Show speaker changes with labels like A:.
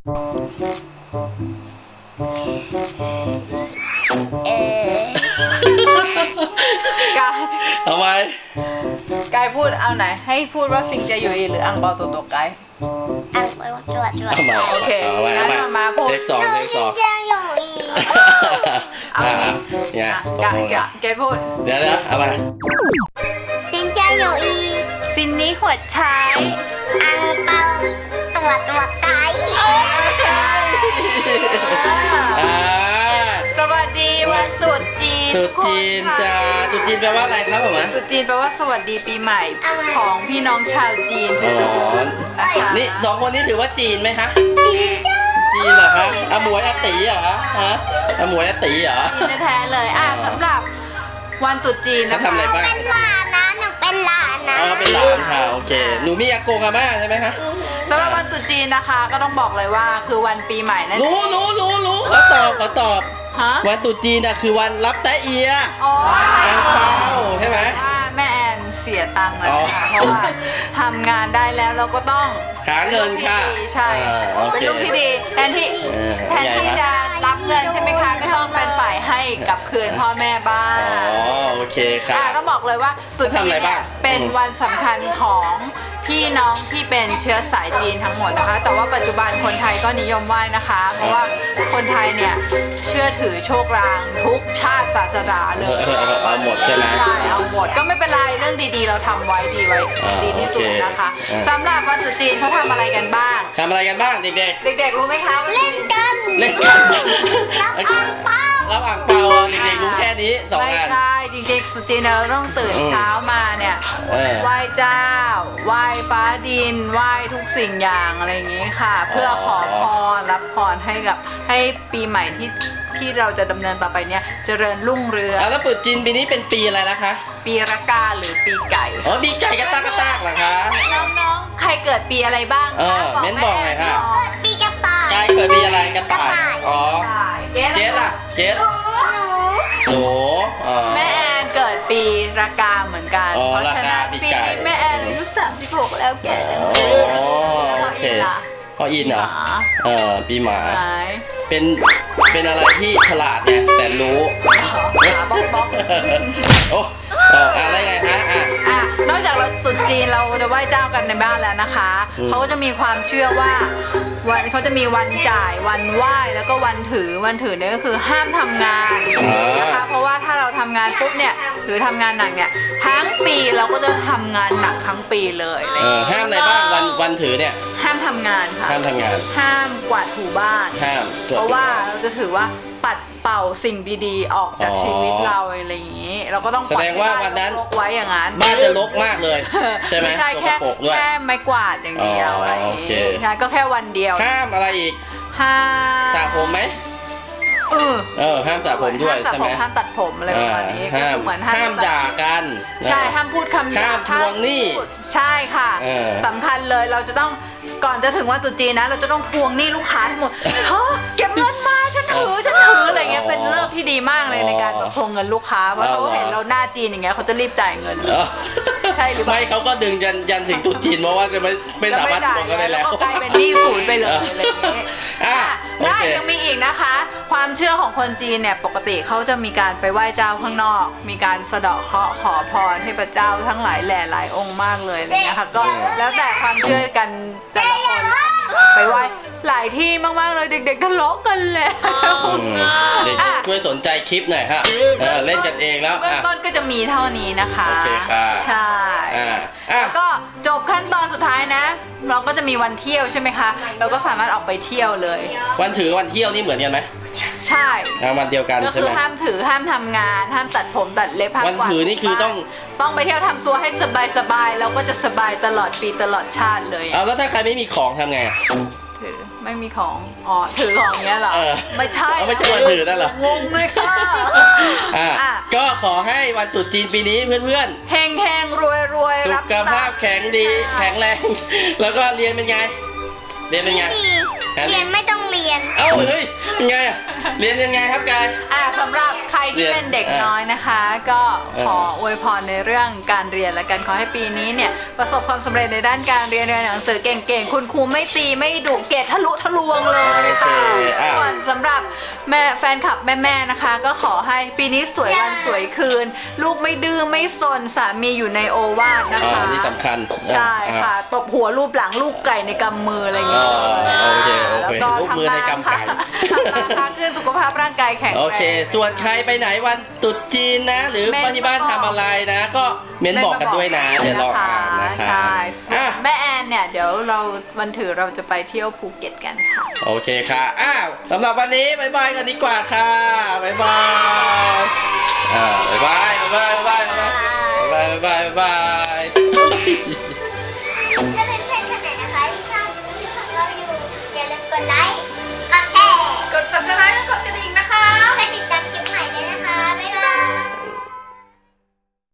A: เออกาย
B: ทำไม
A: กายพูดเอาไหนให้พูดว่าสิงจะอยู่อีหรืออังเปาตัวกาย
C: อังเปาตัว
B: เอาใหม่
A: โอเค
B: เอาใหม่
A: งั้นมาพูด
B: เทคสอง
C: จะอยู่อีก
A: เอาอีก
B: เนี่ยตก
A: กาย
B: ลงกัน
A: แกพูด
B: เดี๋ยวเอาไป
C: สินจะอยู่อีก
A: ซินนี้หัวชาย
C: อังเปาตัวไก่
B: อ่า
A: สวัสดีวันตรุษจีน
B: ตรุษจีนจ้าตรุษจีนแปลว่าอะไรครับผม
A: ตรุษจีนแปลว่าสวัสดีปีใหม่ของพี่น้องชาวจีนทุกคนนะคะ
B: นี่สองคนนี้ถือว่าจีนไหมคะ
C: จีนจ้า
B: จีนเหรอคะอาหมวยอาตีเหรอฮะอาหมวยอาตีเหรอ
A: จีนแท้ๆเลยสำหรับวันตรุษจีนนะ
B: เขาทำ
A: คะ
B: อะไรบ้าง
C: เป็นหลานนะหนูเป็นหลานนะ
B: อ๋อเป็นหลานค่ะโอเคหนูมีอากงอาม่าใช่ไหมคะ
A: สำหรับวันตรุษจีนนะคะ ก็ต้องบอกเลยว่าคือวันปีใหม่นั่น
B: รู้ขอตอบ
A: ฮะ
B: วันตรุษจีนน่ะคือวันรับแตะเอีย
A: อ๋อ
B: อังเปาใช่ไหม
A: ว่าแม่แอนเสียตังค์แล้ว
B: อ๋อ
A: นะคะเพราะว่าทำงานได้แล้วเราก็ต้อง
B: หาเงินค่ะ
A: ใช่
B: โอ
A: เป็น
B: เค
A: ลูกที่ดีแทนที่
B: เป็นไง
A: จะรับเงินใช่ไหมคะก็ต้องเป็นฝ่ายให้กลับคืนพ่อแม่บ้าง
B: อ๋อโอเคค่ะ
A: ต้องบอกเลยว่าตรุษ
B: เขาทำ
A: จี
B: อะไร
A: นเนี่
B: บ้าย ง
A: เป็นวันสำคัญของพี่น้องที่เป็นเชื้อสายจีนทั้งหมดนะคะ แต่ว่าปัจจุบันคนไทยก็นิยมไหว้นะคะ เพราะว่าคนไทยเนี่ยเชื่อถือโชคลางทุกชาติศาสนาเลย
B: เอาหมดใช่ไหม
A: ใช่เอาหมดก็ไม่เป็นไรเรื่องดีๆ เราทำไว้ดีไว้
B: อ่า
A: ดีที่สุด
B: โอเค
A: นะคะ
B: อ่า
A: สำหรับวันตรุษจีนเขาทำอะไรกันบ้าง
B: ทำอะไรกันบ้างเด็ก
A: เด็กๆรู้ไหมคะว่า
C: เล่นกัน
B: ๆ เล่นกัน
C: รับอังเปา
B: รับอ่างเปาเด็กๆรู้แค่นี้สอง
A: ไม่
B: อัน
A: ใช่จริงๆตรุษจีนเราต้องตื่นเช้ามาเนี่ย ไหว้เจ้าไหว้ฟ้าดินไหว้ทุกสิ่งอย่างอะไรอย่างนี้ค่ะ เพื่อขอพรรับพรให้ปีใหม่ที่เราจะดำเนินต่อไปเนี่ยเจริญรุ่งเรือง
B: แล้วตรุษจีนปีนี้เป็นปีอะไรนะคะ
A: ปีระกาหรือปีไก่
B: อ๋อปีไก่กระตากเหรอคะ
A: น้องๆใครเกิดปีอะไรบ้าง
B: เออเม้นบอกหน่อยค่ะ
C: เกิดปีกระต่าย
B: ไก่เกิดปีอะไรกระต่ายอ๋อ
A: เก
B: เจสล่ะเจส
C: หนู
B: หนูอ๋อ
A: แม่แอนเกิดปีระกาเหมือนกัน
B: อ๋อ
A: เพราะฉะนั้น
B: ระกาปี
A: ปี
B: ไก่
A: นี้แม่แอนอายุ36แล้วแก่จังเล
B: อ๋อย
A: แล้ว
B: โอเค
A: อินล่ะ
B: พ่ออินเหรอ ปีหมา
A: หมา
B: เป็นอะไรที่ฉลาดไงแต่รู้
A: หมาบ๊อกบ๊อก
B: โอ้อะไรไงฮะ
A: นอกจากเราตรุษจีนเราจะไหว้เจ้ากันในบ้านแล้วนะคะ เขาก็จะมีความเชื่อว่าเขาจะมีวันจ่ายวันไหว้แล้วก็วันถือเนี่ยก็คือห้ามทำงานนะคะเพราะว่าถ้าเราทำงานปุ๊บเนี่ยหรือทำงานหนักเนี่ยทั้งปีเราก็จะทำงานหนักทั้งปีเลยอะไรอย่างเงี้ย
B: ห้ามอะไรบ้างวันถือเนี่ย
A: ห้ามทำงานค่ะ
B: ห้ามทำงาน
A: ห้ามกวาดถูบ้าน
B: ห้ามตรวจ
A: เพราะว่าเราจะถือว่าปัดเป่าสิ่งดีๆ ออกจากชีวิตเราอะไรอย่างนี้ เราก็ต้อง
B: แสดงว่าวันนั้น
A: รกไว้อย่างนั้น
B: บ้านจะรกมากเลย ใช่ไหม
A: ไม่ใช่
B: สก
A: แค่
B: ปรกด้วย
A: แค่ไม้กวาดอย่างเดียว
B: อ๋ออ
A: อะไรอย่าง
B: โอเค
A: นี้ใช่ก็แค่วันเดียว
B: ห้ามอะไรอีก
A: ห้าม
B: สระผมไหมห้ามสระผมด้วย
A: ห้ามสระ
B: ใช่
A: ผ
B: ไหม
A: มห้ามตัดผมอะไรประมาณนี้ก็
B: ห้าม
A: คือเหมือน
B: ห้ามด่ากัน
A: ใช่ห้ามพูดคำหยาบ
B: ห้ามทวงหนี้
A: พูดใช่ค่ะ
B: เออ
A: สำคัญเลยเราจะต้องก่อนจะถึงวันตรุษจีนนะ เราจะต้องทวงหนี้ลูกค้าทั้งหมดเฮ้อเก็บเงินมาฉันถืออะไรเงี้ยเป็นเลิกที่ดีมากเลยในการแบบทวงเงินลูกค้าเพราะเขาเห็นเราหน้าจีนอย่างเงี้ยเขาจะรีบจ่ายเงินเลย ใช่หรือเปล่า
B: ไม่เขาก็ดึงยันถึงตรุษจีนเพราะว่าจะไม่สามารถทวงกันได้แล้ว
A: ก็กลายเป็นหนี้ศูนย์ไปเลยอะไรอย่างเงี้ย
B: โอ
A: ได้
B: เค
A: ยังมีอีกนะคะ ความเชื่อของคนจีนเนี่ยปกติเขาจะมีการไปไหว้เจ้าข้างนอก มีการสะเดาะเคราะห์ขอพรเทพเจ้าทั้งหลายแหล่หลายองค์มากเลยอะไรเงี้ยค่ะก็แล้วแต่ความเชื่อกันแต่ละคนไปไหว้หลายที่มากๆเลยเด็กๆทะเลาะกันแล้ว
B: เด็กช่วยสนใจคลิปหน่อยค่ะเล่นกันเองแล้ว
A: เบื้องต้นก็จะมีเท่านี้นะคะ
B: โอเคค่ะ
A: ใช่ แล้วก็จบขั้นตอนสุดท้ายนะ เราก็จะมีวันเที่ยวใช่ไหมคะ เราก็สามารถออกไปเที่ยวเลย
B: วันถือวันเที่ยวนี่เหมือนกันไหม
A: ใช่
B: วันเดียวกัน
A: ก็
B: ใช่
A: คื
B: ไห
A: อ
B: ม
A: ห้ามถือห้ามทำงานห้ามตัดผมตัดเล็บห้าม
B: วัน
A: กวาด
B: ถือนี่คือต้อง
A: ต้องไปเที่ยวทำตัวให้สบายๆเราก็จะสบายตลอดปีตลอดชาติเลย
B: เอาแล้วถ้าใครไม่มีของทำไง
A: ถือไม่มีของถือของเนี้ยเหรอ
B: เออ
A: ไม่ใช่
B: ไม่ใช่วันถือนั่นเหรอง
A: งเลยค่ะ
B: ก็ขอให้วันตรุษจีนปีนี้เพื่อน
A: เฮงเฮงรวยรวย
B: ๆ สุ
A: รับ
B: ขภาพแข็งดีแข็งแรง แล้วก็เรียนเป็นไง เรียนเป็นไง
C: ดีเรียนไม่ต้องเรียน
B: เอ้าเฮ้ยยังไงอะเรียนยังไงครับกาย
A: สำหรับใครที่เป็นเด็กน้อยนะคะ ก็ขออวยพรในเรื่องการเรียนและกันขอให้ปีนี้เนี่ยประสบความสำเร็จในด้านการเรียนหนังสือเก่งๆคุณครูไม่ตีไม่ดุเกรดทะลุทะลวงเลยค่ะส่วนสำหรับแม่แฟนคลับแม่ๆนะคะ ก็ขอให้ปีนี้สวยวันสวยคืน ลูกไม่ดื้อไม่ซนสามีอยู่ในโอวาทนะคะ
B: นี่สำคัญ
A: ใช่ค่ะตบหัวรูปหลังลูกไก่ในกำมืออะไรอย่างเงี้ย
B: โอเค
A: แล้วก็
B: ลูกมือในกำไก่
A: ทำมาค้าขึ้นสุขภาพร่างกายแข็งแรง
B: โอเค ส่วนใครไปไหนวันตรุษจีนนะ หรือบ้านที่บ้านทำอะไรนะ ก็เม้นบอกกันด้วยนะ เดี๋ยวเราอ่านนะคะ
A: ใช่ส่วน
B: อ่ะ
A: แม่แอนเนี่ยเดี๋ยวเราวันถือเราจะไปเที่ยวภูเก็ตกันค่ะ
B: โอเคค่ะสำหรับวันนี้บ๊ายบายกันดีกว่าค่ะบ๊ายบายบ๊ายบายบ๊ายบายบ๊ายบายบ๊ายบายบ๊ายบาย
C: จะ